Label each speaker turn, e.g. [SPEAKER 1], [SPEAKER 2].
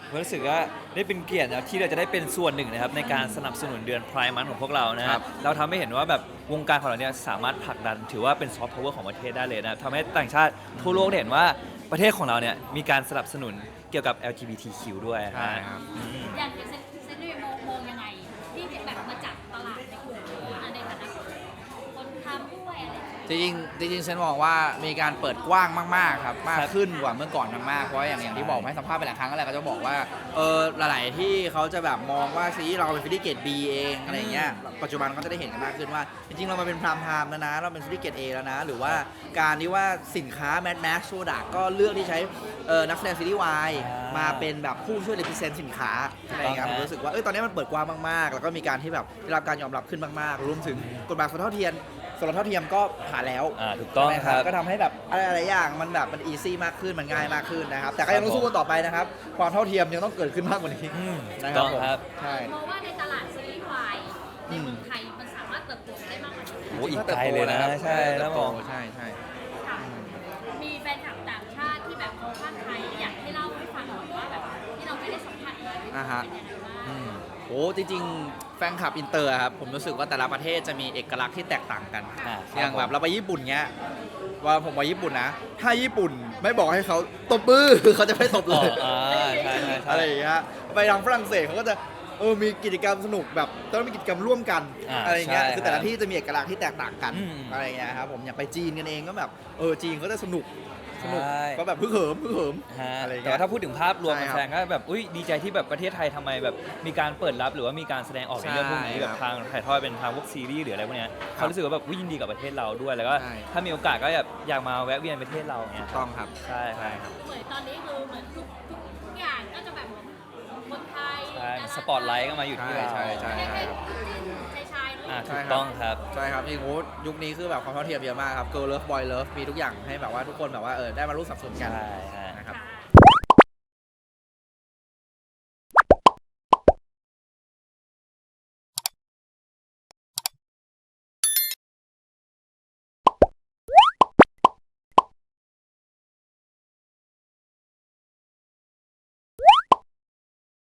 [SPEAKER 1] รู้สึกว่าได้เป็นเกียรตินะที่เราจะได้เป็นส่วนหนึ่งนะครับในการสนับสนุนเดือนไพร์มันของพวกเรานะค
[SPEAKER 2] ครั
[SPEAKER 1] รับบ เราทำให้เห็นว่าแบบวงการของเราเนี่ยสามารถผลักดันถือว่าเป็นซอฟต์พาวเวอร์ของประเทศได้เลยนะทำให้ต่างชาติทั่วโลกได้เห็นว่าประเทศของเราเนี่ยมีการสนับสนุนเกี่ยวกับ LGBTQ ด้วยนะ
[SPEAKER 2] ใช่ครับ
[SPEAKER 3] อย่างเซนต์มองยังไงที่แบบมาจับตลาดในกลุ่มในฐานะคนทำด้วยอะไรอย่างเงี้ย
[SPEAKER 2] จริงฉันมองว่ามีการเปิดกว้างมากๆครับมากขึ้นกว่าเมื่อก่อนมากๆเพราะอย่างที่บอกให้สัมภาษณ์ไปหลายครั้งแล้วก็จะบอกว่าหลายๆที่เขาจะแบบมองว่าซีรีส์เราเป็นฟิลิเกต B เองอะไรเงี้ยปัจจุบันก็จะได้เห็นกันมากขึ้นว่าจริงๆเรามาเป็นพรามไทม์แล้วนะเราเป็นฟิลิเกต A แล้วนะหรือว่าการที่ว่าสินค้าแม d แม็กซ์โซดาก็เลือกที่ใช้นักแสดงซีรีส์วายมาเป็นแบบผู้ช่วยรีพรีเซนต์สินค้าอะไรเงี้ยผมรู้สึกว่าตอนนี้มันเปิดกว้างมากๆแล้วก็มีการที่แบบได้รับการยอมรับขึ้นมากๆรวมถึงกฎหมายสมรสเท่าเทียมก็ผ่านแล้ว
[SPEAKER 1] ถูกต้อง
[SPEAKER 2] ใช่ไหม
[SPEAKER 1] ครับ
[SPEAKER 2] ก็ทำให้แบบอะไรๆอย่างมันแบบมันอีซี่มากขึ้นมันง่ายมากขึ้นนะครับแต่ก็ยังต้องสู้กันต่อไปนะครับความเท่าเทียมยังต้องเกิดขึ้นมากกว่านี้
[SPEAKER 1] ถู
[SPEAKER 2] นะ
[SPEAKER 1] ก
[SPEAKER 2] ครั
[SPEAKER 1] ต้
[SPEAKER 2] บ
[SPEAKER 1] อง
[SPEAKER 2] ผม
[SPEAKER 1] ครับ
[SPEAKER 2] ใช่
[SPEAKER 3] มองว่าในตลาดซีรีส์วายในเมืองไทยมันสามารถเติบโตได้มากกว่านี้
[SPEAKER 1] โอ้อีกไกลเลยนะใช่แล้วมอง
[SPEAKER 2] ใช่ใช่
[SPEAKER 3] ค่ะมีแฟนคลับต่างชาติที่แบบเขาภาคไทยอยากให้เล่าให้ฟังหน่อยว่าแบบที่เราไม่ได้สัมผัสมาเป็นยังไงบ้าง
[SPEAKER 2] โอ้จริงๆแฟนคลับอินเตอร์ครับผมรู้สึกว่าแต่ละประเทศจะมีเอกลักษณ์ที่แตกต่างกัน
[SPEAKER 1] ครับ
[SPEAKER 2] อย่างแบบเราไปญี่ปุ่นเงี้ยว่าผมไปญี่ปุ่นนะถ้าญี่ปุ่นไม่บอกให้เขาตบมือ เขาจะไม่ตบเลย
[SPEAKER 1] ใช่ใช่ใช่
[SPEAKER 2] อะไรอย่างเงี้ยไปทางฝรั่งเศสเขาก็จะมีกิจกรรมสนุกแบบต้องมีกิจกรรมร่วมกันอะไรอย่างเงี้ย
[SPEAKER 1] ใช่
[SPEAKER 2] คือแต่ละที่จะมีเอกลักษณ์ที่แตกต่างกัน
[SPEAKER 1] อืม
[SPEAKER 2] อะไรอย่างเงี้ยครับผมอย่างไปจีนกันเองก็แบบจีนเขาจะสนุก
[SPEAKER 1] ใช่
[SPEAKER 2] ก็แบบพึ่งเหิม
[SPEAKER 1] ฮะ
[SPEAKER 2] อะไรอย่าง
[SPEAKER 1] แต่
[SPEAKER 2] เงี้ย
[SPEAKER 1] ว่าถ้าพูดถึงภาพรวม
[SPEAKER 2] ใช่
[SPEAKER 1] มัน
[SPEAKER 2] ครับ
[SPEAKER 1] แสดงก็แบบอุ้ยดีใจที่แบบประเทศไทยทำไมแบบมีการเปิดรับหรือว่ามีการแสดงออกในเรื่องพวกนี้
[SPEAKER 2] ใช่
[SPEAKER 1] แบบทางถ่ายทอดเป็นทางพวกซีรีส์หรืออะไรพวกเนี้ยเขารู้สึกว่าแบบอุ๊ยยินดีกับประเทศเราด้วยแล้วก็
[SPEAKER 2] ใช่
[SPEAKER 1] ถ้ามีโอกาสก็แบบอยากมาแวะเวียนประเทศเราเนี้ย
[SPEAKER 2] ต้องครับ
[SPEAKER 1] ใช่ครับ
[SPEAKER 3] เหมือนตอนนี้คือเหมือนทุกอย่างก็จะแบบคนไทย
[SPEAKER 1] ใช่สปอตไลท์ก็มาอยู่ที่เรา
[SPEAKER 2] ใช่ใช่
[SPEAKER 3] ไม่ใช่ชายๆเนอะ
[SPEAKER 1] ถูกต้องครับ
[SPEAKER 2] ใช่ครับจริงๆยุคนี้คือแบบความเท่าเทียมเยอะมากครับ Girl Love Boy Love มีทุกอย่างให้แบบว่าทุกคนแบบว่าได้มารู้สับสนกัน
[SPEAKER 1] ใช่ฮะ
[SPEAKER 2] นะครับ